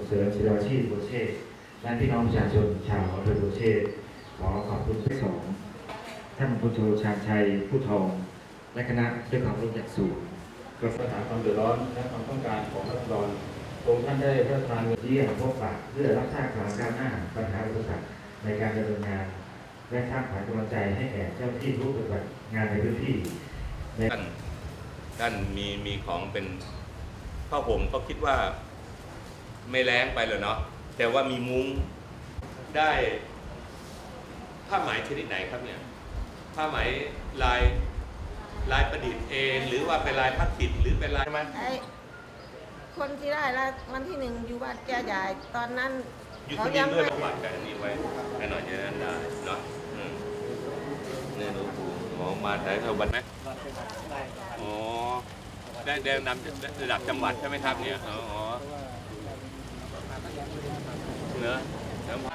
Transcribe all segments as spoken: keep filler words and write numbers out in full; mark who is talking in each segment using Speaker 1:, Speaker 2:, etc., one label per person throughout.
Speaker 1: เสริมศิลปาชีพโบเช่และพี่น้องประชาชนชาวอำเภอโบเช่ขอขอบคุณที่สองท่านพลโทชาญชัยผู้ทองและคณะด้วยความรู้อย่างสูงกระทรวงปัญหาความเดือดร้อนและความต้องการของรัฐบาลองค์ท่านได้พระราชทานเงินเยี่ยมพบปะเพื่อรับทราบความก้าวหน้าปัญหาอุปสรรคในการดำเนินงานและสร้างขวัญกำลังใจให้แก่เจ้าที่ผู้ปฏิบัติงานในพื้นที่
Speaker 2: ท่านท่านมีมีของเป็นผ้าห่มก็คิดว่าไม่แรงไปเลยเนาะแต่ว่ามีมุ้งได้ผ้าไหมชนิดไหนครับเนี่ยผ้าไหมลายลายประดิษฐ์เองหรือว่าเป็นลายพลาสติกหรือเป็นลายใช่ไหม
Speaker 3: ไอ้คนที่ได้แล้ววันที่หนึ่งอยู่บ้านแกใหญ่ตอนนั้น
Speaker 2: อยู่ที่นี่ด้วยประวัติกันนี้ไว้ให้หน่อยจะนั้นได้เนาะเนี่ยดูดูหมอมาถ่ายเท่าบันไหมอ๋อได้ได้นำระดับจังหวัดใช่ไหมครับเนี่ยอ๋อเนื้อเนื้อไม้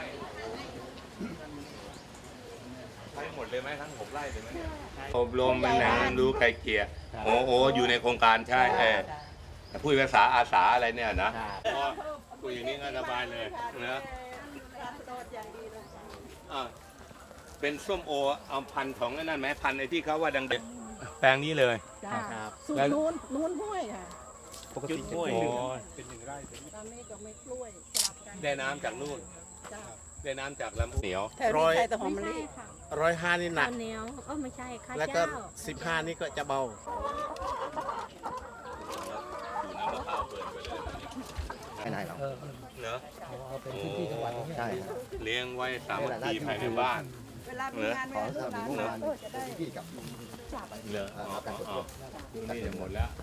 Speaker 2: ใช้หมดเลยไหมทั้งหกไร่เลยไหมเนี่ยอบรมมันแหนรู้ไกลเกลี่ยโอ้โหอยู่ในโครงการใช่เออผู้ภาษาอาสาอะไรเนี่ยนะคุยอย่างนี้ก็สบายเลยนะเป็นส้มโอเอาพันธุ์ของนั่นไหมพันธุ์ไอ้ที่เขาว่าดังเด็ดแปลงนี้เลย
Speaker 4: สูตรนู้นนู้นห้วยค่ะ
Speaker 2: ปกติห้วยเป็นหนึ่งไร่
Speaker 4: ตอนนี้ก็ไม่กล้วยสลับกัน
Speaker 2: ได้น้ำจากนู่นได้น้ำจากลำเหนียว
Speaker 4: ร้อยแต่หอมมะลิ
Speaker 5: ร้อยห้านี่หนัก
Speaker 6: เหนียวเออไม่ใช่ข้าวเจ้า
Speaker 5: แล้วก็สิบห้านี่ก็จะเบา
Speaker 2: ไม่ได้หรอกเนอะเอาเป็นที่ที่จังหวัดใช่เลี้ยงไว้สามัคคีภายในบ้าน
Speaker 4: เวลามีงานเวลาลูกหลานจะได้
Speaker 2: เหลืออ๋ออ๋อนี่หมดแล้ว